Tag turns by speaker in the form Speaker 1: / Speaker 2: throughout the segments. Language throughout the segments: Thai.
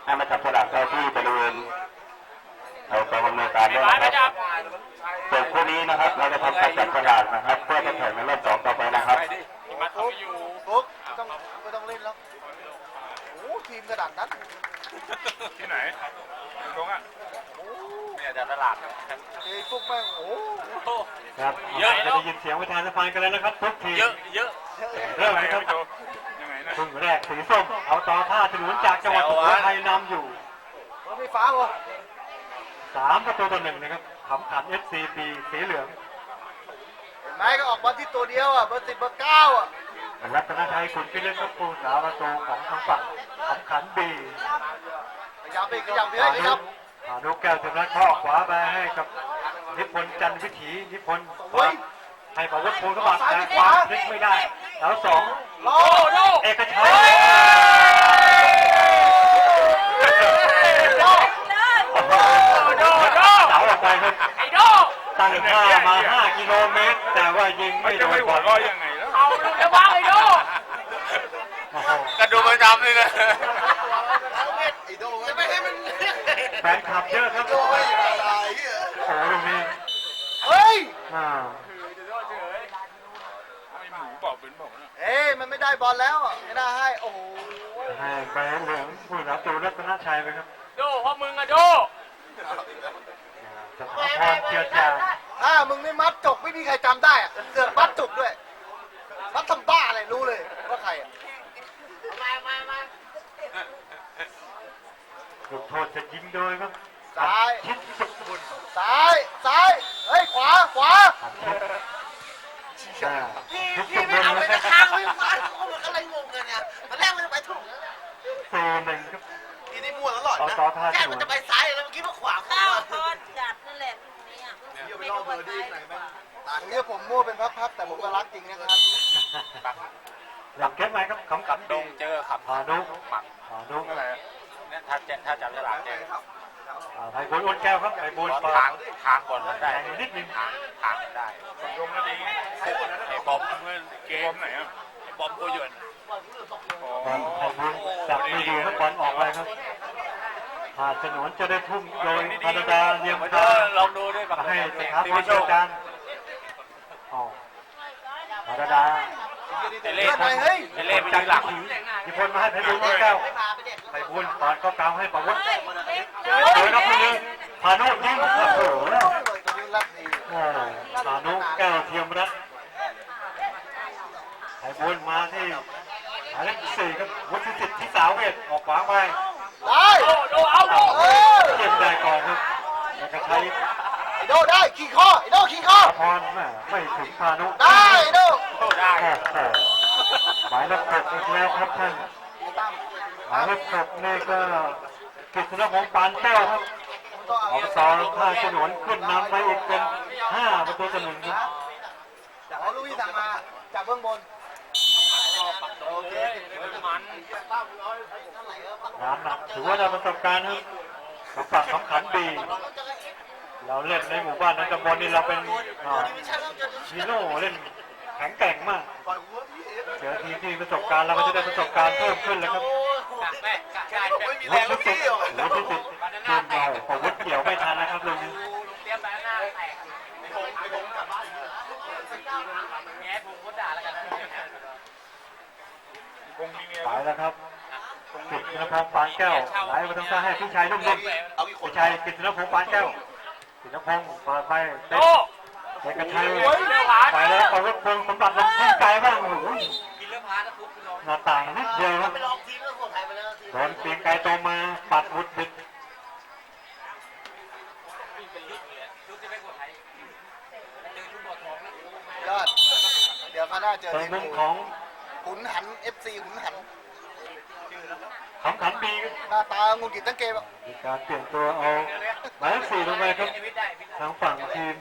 Speaker 1: ให้มาจับฉลากได้ที่บริเวณเรากองอำนวยการด้วยนะครับส่วนคู่นี้นะครับเราจะทำการจับฉลากนะครับเพื่อจะแข่งในรอบ2ต่อไปนะครับ
Speaker 2: ปุ๊บไม่ต้องเล่นแล้วโอ้ทีมกระดาษนั้น
Speaker 3: ที่ไหนตรงอ่ะ
Speaker 1: เนี่ยจับฉลาก
Speaker 2: เอ้ปุ๊บแม่งโอ้
Speaker 4: ครับเยอะจะได้ยินเสียงประธานสภากันแล้วนะครับทุกทีเยอะเริ่มเลยครับ
Speaker 3: ยังไงนะ
Speaker 4: ครึ่งแรกสีส้มเอาต่อท่าฉลุนจากจังหวัดสุโขทัยนำอยู่
Speaker 2: ไม่ฟ้าเหรอ
Speaker 4: 3-1นะครับขำขัน FCB สีเหลือง
Speaker 2: เห็นไหมก็ออกบอลที่ตัวเดียวอ่ะเบอร์10เบอร์9อ่ะ
Speaker 4: รัตนชัยขุนพิเรศครับผู้สาประตูของทางฝั่งขำขันบี
Speaker 2: ขยับไปขยับเยอะครับ
Speaker 4: หานุแก้วเต็มรักข้อขวาไปให้กับนิพนธ์จันทร์วิถีนิพนธ์ให้ประวัติภูลกบาดแต่ขวาพลิกไม่ได้แล้ว2เอกชัยเสาออกไปครับตั้งท่ามา5 กิโลเมตรแต่ว่ายิงไม่โดนบอล
Speaker 3: ยังไงแล้ว
Speaker 5: เอาจะวางไอ้โด
Speaker 3: กระดูกประจำเลยนะ
Speaker 2: จะไม่ให้มัน
Speaker 4: แฟนคลับเยอะครับโอ้โหตรงนี้
Speaker 2: เฮ้ย
Speaker 3: ไม่หมูเปล่าเป็นเปล่าเนี่ย
Speaker 2: เอ้มันไม่ได้บอลแล้วไม่น่าให้โอ้โห
Speaker 4: ให้ใบเหลืองผู้รับตัวรัตนชัยไปครับ
Speaker 5: โดเพราะมึงอะโด
Speaker 4: สถาพรเจียจา
Speaker 2: ถ้ามึงไม่มัดจกไม่มีใครจำได้อะเสือกมัดจกด้วยมัดทำบ้าอะไรรู้เลยว่าใครอะ
Speaker 4: ลูกโทษจะยิงโดยครับ
Speaker 2: ซ้าย
Speaker 4: ชิดสุดบุญ
Speaker 2: ซ้ายเฮ้ยขวา
Speaker 5: พี่ไม่เอาไปจะค้างไว้ขวามันอะไรงงกันเนี่ยตอนแรกมันจะไปถูกแล้ว
Speaker 4: 4-1ครับ
Speaker 2: ทีนี้มั่วตลอดนะ
Speaker 5: แค่มันจะไปซ้ายแล้วเมื่อกี้มันขวา
Speaker 6: ข้าวทอดจัดนั่นแหละเนี่ย
Speaker 2: ไปรอบเบอร์ดี้ไหนแม่ตรงนี้ผมมั่วเป็นพับๆแต่ผมก็รักจริงนะครับ
Speaker 4: หลังเก็บไหมครับขำขัน
Speaker 1: ดงเจอขับ
Speaker 4: หานุ
Speaker 1: อะไรเนี่ยถ้าจับฉลากเจอ
Speaker 4: ไผ่บุญอ้นแก้วครับไผ่บุญ
Speaker 1: ทางบอลมันได้
Speaker 4: นิดนึง
Speaker 1: ทางได้
Speaker 3: ลงก็ดี
Speaker 1: ไอ้บอมเมื่อเกม
Speaker 3: ไหนอ่ะ
Speaker 1: ไอ้บอมโกยวน
Speaker 4: ไผ่บุญจับไม่ดีครับบอลออกไปครับหาฉนวนจะได้ทุ่มโดยพาดาเลียมทาง
Speaker 1: ลองดูด้วยกับ
Speaker 4: ให้สถาพรเจียจานพาดา
Speaker 1: เล่เป็นหลัก
Speaker 4: นิพนธ์มาให้ไผ่บุญอ้นแก้วไผ่บุญตอนก็กลางให้ประวุฒิโดยนักมวยพานุยิงโอ้โหพานุแก้วเทียมรัตน์ไผ่บุญมาที่หมายเลข4ครับวุฒิสิทธิ์ที่สาวเวทออกขวางไป
Speaker 2: ได้
Speaker 5: เอา
Speaker 4: เก็บได้ก่อนครับแล้วก็ใช้
Speaker 2: โดได้ขี่ข้อขี่ข้อ
Speaker 4: พรไม่ถึงพานุ
Speaker 2: ได้โด
Speaker 4: ได้หมายเลข6อีกแล้วครับท่านหมายเลข6นี่ก็กฤษณพงษ์ปานแก้วครับอบต.ท่าฉนวนขึ้นนำไปอีกเป็น5-1ครับ
Speaker 2: จากให้ลูกพี่สั่งมาจากเบื้องบน
Speaker 5: โอเคมัน
Speaker 4: งานหนักถือว่าได้ประสบการณ์ครับสำหรับขำขันบีเราเล่นในหมู่บ้านในตำบลนี้เราเป็นฮีโร่เล่นแข็งแกร่งมากเจอทีมที่ประสบการณ์เราก็จะได้ประสบการณ์เพิ่มขึ้นแล้วครับวุฒิสิทธิ์เกมเราของวุฒิเกี่ยวไม่ทันนะครับลุงไปแล้วครับกฤษณพงษ์ปานแก้วไหลมาทางซ้ายให้พี่ชายนุ่มๆพี่ชายกฤษณพงษ์ปานแก้วกฤษณพงษ์เปิดไปเด็กกระชัยไปแล้วประวุฒิพงษ์สมบัติลงทิ้งไกลบ้างโอ้โหหน้าต่างนิดเดียวครับโดนเปียงไกลโตมาปัดวุฒิบิด
Speaker 2: ยอดเดี๋ยวเขาน่าเจอ
Speaker 4: ในมุมของ
Speaker 2: ขุนหัน FC ขุนหัน
Speaker 4: ขำขันบี
Speaker 2: หน้าตางุนกิจตั้งเกม
Speaker 4: มีการเปลี่ยนตัวเอาหมายเลข4ลงไปครับทางฝั่งทีม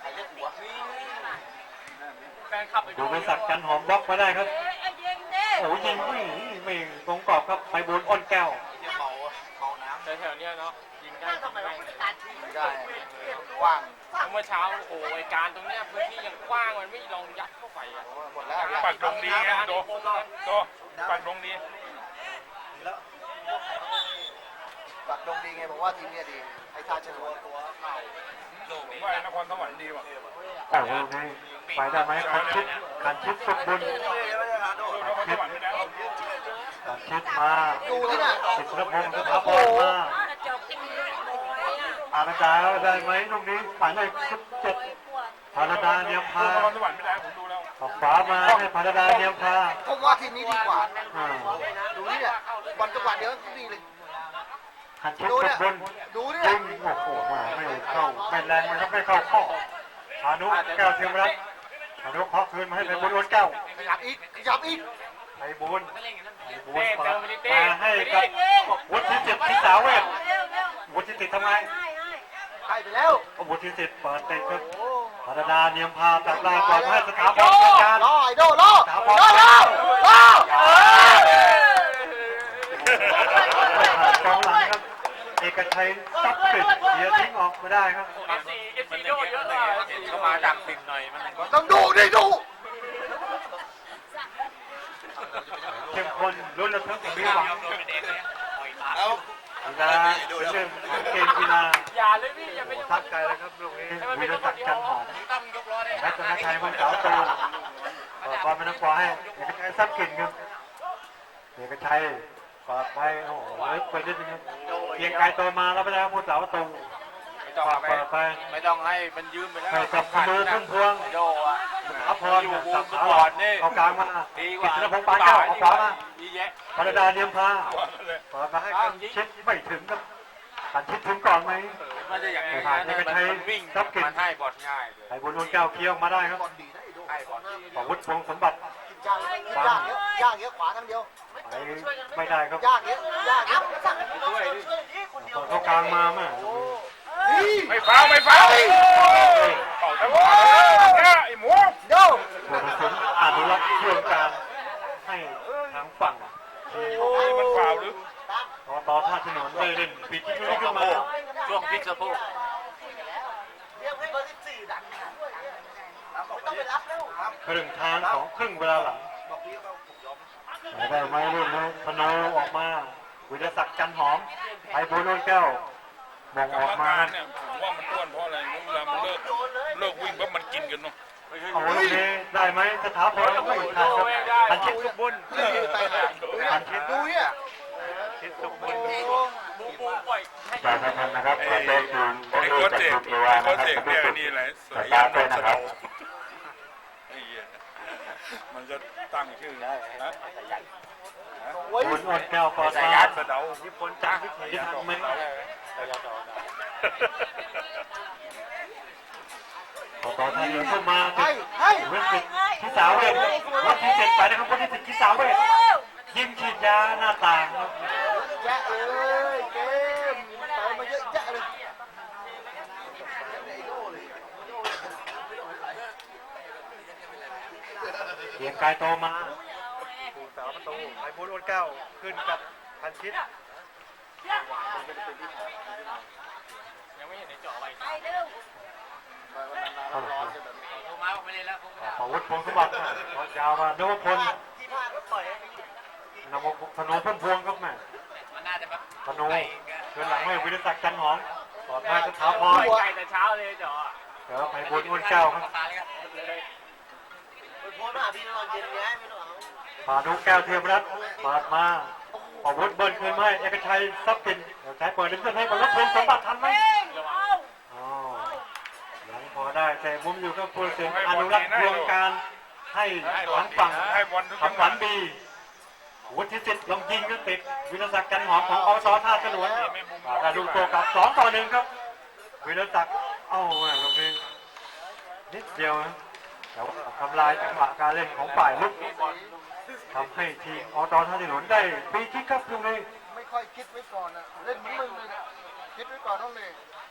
Speaker 4: ดูไปสักกันหอมบล็อกมาได้ครับโอ้ยิงไม่ตรงกรอบครับไปบุญอ้นแก้ว
Speaker 5: แถวๆนี้เนาะยิงได้
Speaker 2: ไม่ได้กว้าง
Speaker 5: เมื่อเช้าโอ้ยการตรงเนี้ยพื้นที่ยังกว้างมันไม่ลองยัดเข้าไปอ่ะ
Speaker 2: หมดแล้ว
Speaker 3: ปักตรงดีไงโดปักตรงดี
Speaker 2: ลงดีไงบอกว่าทีมเนี้ยดีไอ้ท่าชนะตัว
Speaker 3: ผมว่าไอ้นครสวรรค์ดีว่ะ
Speaker 4: แต่ลูกนี้ไปได้ไหมขันชิดสุขบุญ
Speaker 3: นครสวรรค์ไม่ได้
Speaker 4: ขันชิดมา
Speaker 2: ดูที่น่ะ
Speaker 4: สิทธิพงศ์สถาพรมาก
Speaker 6: ระจกที่มีลูกโอยอ่ะ
Speaker 4: อาณาจารย์ได้ไหมลูกนี้ฝ่ายเลข17พาราดาเนียม
Speaker 3: น
Speaker 4: พา
Speaker 3: ครสวรรค์ไม่ได้ผมดูแล้ว
Speaker 4: ออกขวามาให้พาราดาเนียมพา
Speaker 2: ผมว่าทีมนี้ดีกว่า
Speaker 4: อ่า
Speaker 2: ดูนี่เนี่ยบอลจังหวะเดียวก็ดีเลย
Speaker 4: ขันชิด
Speaker 2: ดู
Speaker 4: สุ
Speaker 2: เนี่ย
Speaker 4: ขบุญ
Speaker 2: ดูเนี่ย
Speaker 4: ยิงโอ้โหมาไม่เข้าไม่แรงมันก็ไม่เข้าข้อพานุแก้วเทียมรัตน์พานุเคาะคืนมาให้เป็นบุญอ้วนแก้ว
Speaker 2: ขยับอีกขยับอีก
Speaker 4: ไอ้บุญเปิดมาให้กับวุฒิจิตรพิสาเวท
Speaker 6: เร็วเร็ว
Speaker 4: วุฒิจิตรทำไม
Speaker 6: ให้
Speaker 2: ให้ไปแล้ว
Speaker 4: วุฒิจิตรเปิดเตะครับ
Speaker 2: โอ้
Speaker 4: พาราดาเนียมพาจากลายก่อนให้สถาพรจัดการ
Speaker 2: รอไอ้โดรอรอรอรอก
Speaker 4: องหลังครับเอกชัยซับปิดเสียทิ้งออกมาได้ครับ
Speaker 3: มันโดเยอะเลยเขามาดักปิดหน่อยมัน
Speaker 2: ต้องดูดิดู
Speaker 4: เข้มข้นลุ้นระทึกมีหวังกีฬาเป็นเรื่องของเกมกีฬา
Speaker 3: อย่าเลยพี่อย่าไป
Speaker 4: ทักไกลเลยครับลูกนี้วิรศักดิ์จันทร์หอมรัตนชัยวันเสาโตก่อนเป็นนักบอลให้เอกชัยซับกลิ่นครับเอกชัยปาดไปโอ้โหลึกไปนิดนึงครับเกียงไกลโตมาแล้วไปแล้วผู้สาวตูปาดไป
Speaker 3: ไม่ต้องให้มันยืมไปแล้ว
Speaker 4: ให้กับพนูพุ่มพวง
Speaker 3: โดอ่ะ
Speaker 4: อัพพรสับขาหลอดเอากลางมากิตติพงษ์ปานเก้าเอาขวามา
Speaker 3: ดีแยะ
Speaker 4: พาราดาเนียมพาเปิดมาให้กันชิดไม่ถึงครับกันชิดถึงก่อนไหม
Speaker 3: มันจะอย่างนี้
Speaker 4: ผ่านเอกชัย
Speaker 3: วิ่ง
Speaker 4: ซับกลิ่น
Speaker 3: มันให้บอลง่ายเลย
Speaker 4: ไอ้บุญนวลแก้วเคี้ยวมาได้ครับ
Speaker 3: ให้บอล
Speaker 4: ของวุฒิพงษ์สมบัติ
Speaker 2: ย่างเยอะย่างเยอะขวาทางเดียว
Speaker 4: ไปไม่ได้ครับ
Speaker 2: ย่างเยอะย่างเยอะ
Speaker 3: ช่วยดิ
Speaker 4: เปิดเข้ากลางมาแม่
Speaker 2: นี่
Speaker 3: ไม่ฟาวไม่ฟาวเป่าทั้งหมดไอ้หมู
Speaker 2: โด
Speaker 4: ผู้ตัดสินอนุรักษ์เรื่องการให้ทางฝั่ง
Speaker 3: มันฟาวหรือ
Speaker 4: ต่อท่าถนนได้เล่นปีที่ไม่ขึ้นมา
Speaker 3: ช่วงพลิกสะโพก
Speaker 5: เรียกให้เบอร์14ดันไม่ต้องไปรับแล้ว
Speaker 4: ครึ่งทางของครึ่งเวลาหลังได้ไหมรุ่นนี้พนออกมาวิรศักดิ์จันทร์หอมไอ้บุญนวลแก้วมองออกมา
Speaker 3: เนี่ยผมว่ามันอ้วนเพราะอะไรเวลามันเลิกวิ่งเพราะมันกินกันเนาะ
Speaker 4: เอาลูกนี้ได้ไหมสถาพรก็ไม่ทันครับพันชิดสุขบุญ
Speaker 2: พันชิดดูเนี่ย
Speaker 4: ชิดสุขบุญ
Speaker 1: จากนั้นนะครับขอเชิญคุณ
Speaker 3: ไอ้โค้ชเสก
Speaker 1: ตัว
Speaker 3: ไอ้
Speaker 1: นะ
Speaker 3: โค้ช
Speaker 1: ครับ
Speaker 3: เสกเนี่ยนี่แหละสาย
Speaker 1: ตาย
Speaker 3: าม
Speaker 1: ด้วยนะครับ
Speaker 3: ไอ้เหี้ยมันก็ตั้งชื่อนะนะ
Speaker 2: โอ้ย
Speaker 4: บุญอ่อนแก้วปอด
Speaker 3: สาย
Speaker 4: มา
Speaker 3: ยานสะเดา
Speaker 4: ญี่ปุ่นจ้างวิถีทำไหมต่อท่าเรือเข้ามา
Speaker 2: ให้ให้
Speaker 4: เวทที่สาวเวทวัดที่7ไปนะครับวัดที่7ที่สาวเวทยิงฉีดยาหน้าต่างครับ
Speaker 2: แยะเลยเกมเติมมาเยอะแยะเลย
Speaker 4: เกียงกายโตมาผู้สาวประตูไอ้บุญอ้นแก้วขึ้นกับพันชิด
Speaker 6: ไปเร็ว
Speaker 4: ขอวุฒิพงศ์สมบัติยาวมานวพล
Speaker 5: ที่พลาดก็ปล่อยให้
Speaker 4: นวพนพุ่มพวงครับแม่พนเดินหลังให้วิรศักดิ์จันทร์หอมปลอดภัยสถาพร
Speaker 3: ไก่แต่เช้าเลยจ๋อ
Speaker 4: เดี๋ยวไปบุญอ้นแก้วครับ
Speaker 5: ไปโพสต์มาหาพี่นอนเย็นไงไม่ต้องเอา
Speaker 4: พานุแก้วเทียมรัตน์ปาดมาอาวุธเบิ้ลคืนมาให้เอกชัยทรัพย์สินเดี๋ยวใช้เปิดเล่นให้กับรถพงศ์สมบัติทันไหม
Speaker 6: เอา
Speaker 4: อ๋อยังพอได้แต่มุมอยู่กับผู้เสียงอนุรักษ์ดวงการให้ทางฝั่ง
Speaker 3: ให้บอลทุก
Speaker 4: ทางฝันบีวุฒิสิทธิ์ลงยิงก็ติดวิรศักดิ์จันทร์หอมของอบตท่าสนวนได้ลูกโตกลับ2-1ครับวิรศักดิ์เอ้าแม่ลงนี้นิดเดียวนะแต่ว่าทำลายจังหวะการเล่นของฝ่ายลุกทำให้ทีมอบตท่าสนวนได้ฟรีคิกครับตรงนี้
Speaker 2: ไม่ค่อยคิดไว้ก่อนนะเล่นมึงเลยนะคิดไว้ก่อนต้องเลย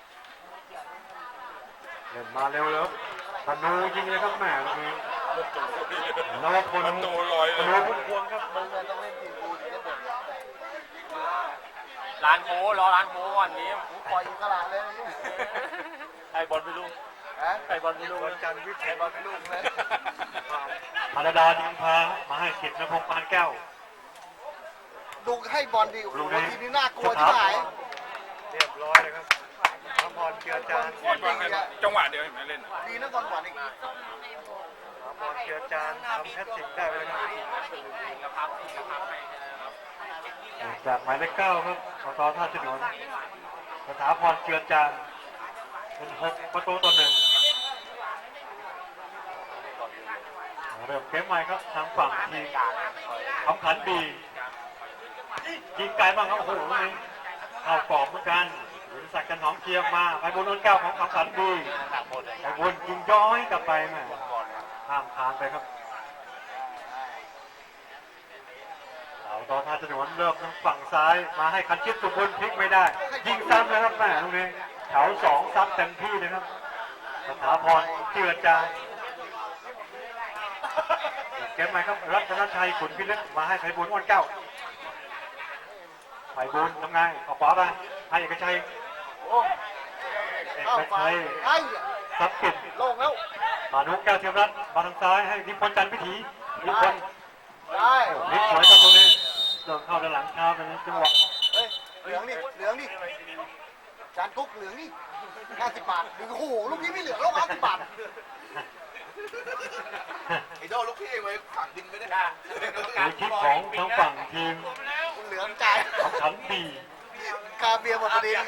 Speaker 4: เล่นมาเร็วแล้วธนูยิงเลยครับแม่ตรงนี้นวพล
Speaker 3: มันตัวลอย
Speaker 4: ธนูพุ่มพวงครับ
Speaker 2: มึงเนี่ยต้องเล่นทีมกูถึงจะเด่น
Speaker 3: ร้านโม้รอร้านโม้ก่อนนี้
Speaker 2: กูปล่อยอิสระเลยนะลูก
Speaker 3: ไอ้บอลไม่รู้
Speaker 2: ฮะ
Speaker 3: ไอ้บอลไม่รู้
Speaker 4: วันจันทร์วิทย์
Speaker 2: บอลเป็นลูกเลย
Speaker 4: พาราดาดิงพามาให้กิจนพงษ์ปานแก้ว
Speaker 2: ดูให้บอลดีโอ้โหทีมนี้น่ากลัวที่ไหน
Speaker 4: เรียบร้อยเลยครับน้ำพรเจือจาน
Speaker 3: จังหวะเดียวเห็นไหมเล่น
Speaker 2: ดีนะบอลหวานอีก
Speaker 4: น้ำพรเจือจานทำแพทริกได้ไปเลยครับจากหมายเลข 9 ครับอบต.ท่าฉนวนสถาพรเจือจานเป็น6-1เริ่มเกมใหม่ครับทางฝั่งทีมคำขันบียิงไกลบ้างครับโอ้โหนี่เข้ากรอบเหมือนกันวินศักดิ์จันหอมเชียร์มาไปบนโน้นเก้าของคำขันบีไปบนยิงย้อยกลับไปแม่ข้ามคานไปครับเราตอนท่าฉนวนเริ่มทางฝั่งซ้ายมาให้คันชิดสุบุญพลิกไม่ได้ยิงซ้ำเลยครับแม่ตรงนี้แถว2ซัดเต็มที่เลยครับสถาพรเจือจานเกมใหม่ครับรัตนชัยขุนพิลึกมาให้ไพบูลย์อ้วนเก้าไพบูลย์ทำไงออกขวาไปให้เอกชัยเอกชัย
Speaker 2: ไอ้
Speaker 4: ซับกิจ
Speaker 2: โล่งแล้ว
Speaker 4: มานุแก้วเทียมรัตน์มาทางซ้ายให้นิพนธ์จันทร์พิถีนิพนธ์
Speaker 2: ได้
Speaker 4: นิพสวยครับตรงนี้เดินเข้าด้านหลังเท้าเป็นจังหวะ
Speaker 2: เฮ้ยเหลืองดิเหลืองดิจานกุ๊กเหลืองดิ50 บาทโอ้โหลูกนี้ไม่เหลืองแล้ว50 บาท
Speaker 5: ไอ้โดลูกพี่ไว้ฝังดินไม่ได้
Speaker 4: ในคิดของทางฝั่งทีม
Speaker 2: เหลืองจ่าย
Speaker 4: ของขันบี
Speaker 2: กาเบียร์หมดพอดี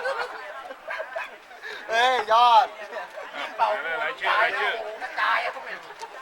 Speaker 2: เฮ้ยยอด
Speaker 3: รายชื่อ
Speaker 5: ตายอ่ะทุกคน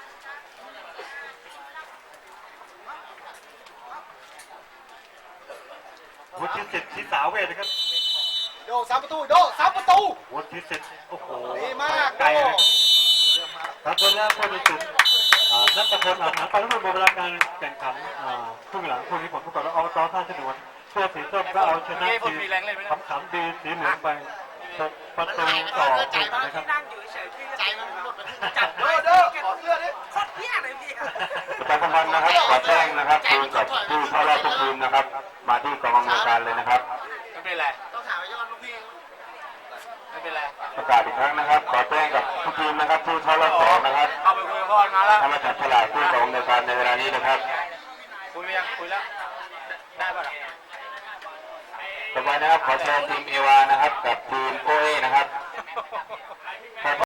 Speaker 4: วุฒิสิทธิ์ทิสาเวทนะครับ
Speaker 2: โด3 ประตูโด3 ประตู
Speaker 4: วุฒิสิทธิ์โอ้โห
Speaker 2: ดีมาก
Speaker 4: ไกล
Speaker 2: โด
Speaker 4: เลยครับคนแรกคนที่สุดนัทพลอาหารไปแล้วมันเวลาการแข่งขันครึ่งหลังคู่นี้ผมประกอบแล้วอบต.ท่าฉนวนเสื้อสีส้มก็เอาชนะทีมคำขำดีสีเหลืองไป6 ประตูต่อ1นะครับ
Speaker 6: นั่งอยู่เฉยๆ
Speaker 5: ใจมันหมดไป
Speaker 6: จับ
Speaker 2: โดโดขอเสื้อดิ
Speaker 6: โคตรเพี้ยเลยพี่
Speaker 1: ประชาสัมพันธ์นะครับขอแจ้งนะครับทีมกับผู้เข้ารอบทุกทีมนะครับ มาที่กองอำนวยการเลยนะครับ
Speaker 5: ไม่เป็นไรต้องถามไอ้ยอดลูกพี่ไม่เป็นไร
Speaker 1: ประกาศอีกครั้งนะครับ ขอแจ้งกับทุกทีมนะครับผู้เข้ารอบ2นะครับ
Speaker 5: เข้าไปคุยกับพ่อมาแล้ว
Speaker 1: ทำมาจับฉลากผู้กองอำนวยการในเวลานี้นะครับ
Speaker 5: คุยไปยังคุยแล้วได้ป่ะ
Speaker 1: ต่อไปนะครับขอเชิญทีมเอวานะครับกับทีมโอเอนะครับ